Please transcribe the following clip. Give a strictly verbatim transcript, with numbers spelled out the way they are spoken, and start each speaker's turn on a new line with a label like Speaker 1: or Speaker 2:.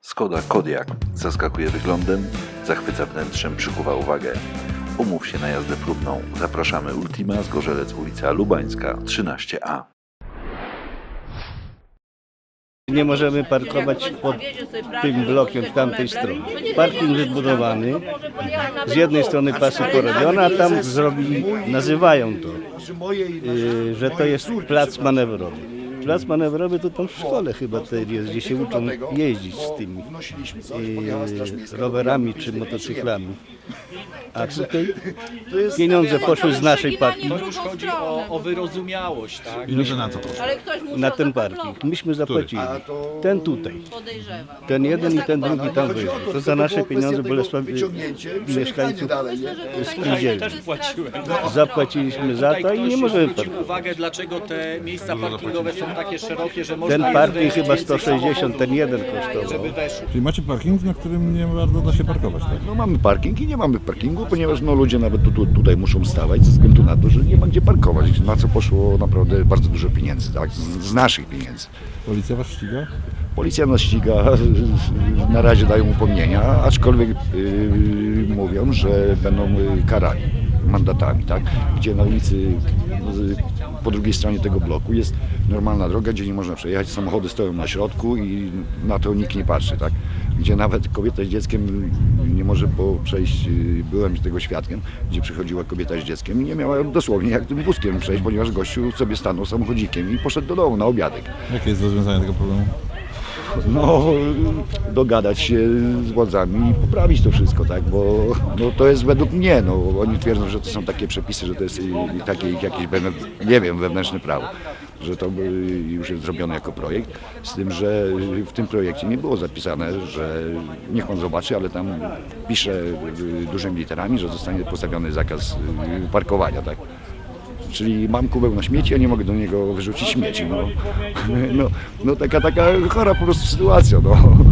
Speaker 1: Skoda Kodiaq zaskakuje wyglądem, zachwyca wnętrzem, przykuwa uwagę. Umów się na jazdę próbną. Zapraszamy Ultima, Zgorzelec, ulica Lubańska, trzynaście A.
Speaker 2: Nie możemy parkować pod tym blokiem z tamtej strony. Parking wybudowany, z jednej strony pasy porobione, a tam zrobili, nazywają to, yy, że to jest plac manewrowy. Plac manewrowy to tam w szkole chyba tutaj jest, gdzie się uczą jeździć z tymi yy, rowerami czy motocyklami. A tutaj pieniądze poszły z naszej partii
Speaker 3: To już chodzi o, o wyrozumiałość, tak?
Speaker 4: Ile na co poszło?
Speaker 5: Ale ktoś musiał
Speaker 2: na ten
Speaker 5: zapaklować.
Speaker 2: parking. Myśmy zapłacili. Ten tutaj.
Speaker 5: Podejrzewam.
Speaker 2: Ten jeden i ten drugi tam wyjdzie. To za nasze pieniądze Bolesław mieszkańców spółdzielni.
Speaker 3: Też płaciłem.
Speaker 2: Zapłaciliśmy za
Speaker 3: Tutaj
Speaker 2: to i
Speaker 3: ktoś
Speaker 2: nie możemy
Speaker 3: zwrócił
Speaker 2: parkować.
Speaker 3: uwagę, dlaczego te miejsca parkingowe są takie szerokie, że można
Speaker 2: Ten
Speaker 3: jest
Speaker 2: parking
Speaker 3: wejść
Speaker 2: chyba
Speaker 3: więcej
Speaker 2: sto sześćdziesiąt,
Speaker 3: samochodów,
Speaker 2: ten jeden kosztował.
Speaker 3: żeby weszło.
Speaker 4: Czyli macie parking, na którym nie bardzo da się parkować, tak?
Speaker 6: No mamy parking i nie mamy parkingu, ponieważ no, ludzie nawet tu, tu, tutaj muszą stawać ze względu na to, że nie ma gdzie parkować. Na co poszło naprawdę bardzo dużo pieniędzy, tak? Z, z naszych pieniędzy.
Speaker 4: Policja was ściga?
Speaker 6: Policja nas ściga, na razie dają upomnienia, aczkolwiek yy, mówią, że będą yy, karani mandatami, tak? Gdzie na ulicy yy, po drugiej stronie tego bloku jest normalna droga, gdzie nie można przejechać, samochody stoją na środku i na to nikt nie patrzy, tak? Gdzie nawet kobieta z dzieckiem nie może po przejść, yy, byłem tego świadkiem, gdzie przychodziła kobieta z dzieckiem i nie miała dosłownie jak tym wózkiem przejść, ponieważ gościu sobie stanął samochodzikiem i poszedł do domu na obiadek.
Speaker 4: Jakie jest rozwiązanie tego problemu?
Speaker 6: No, dogadać się z władzami i poprawić to wszystko, tak, bo no, to jest według mnie, no, oni twierdzą, że to są takie przepisy, że to jest i, i takie jakieś, nie wiem, wewnętrzne prawo, że to już jest zrobione jako projekt, z tym, że w tym projekcie nie było zapisane, że niech pan zobaczy, ale tam pisze dużymi literami, że zostanie postawiony zakaz parkowania, tak. Czyli mam kubeł na śmieci, a nie mogę do niego wyrzucić śmieci. No, no, no taka, taka chora po prostu sytuacja. No.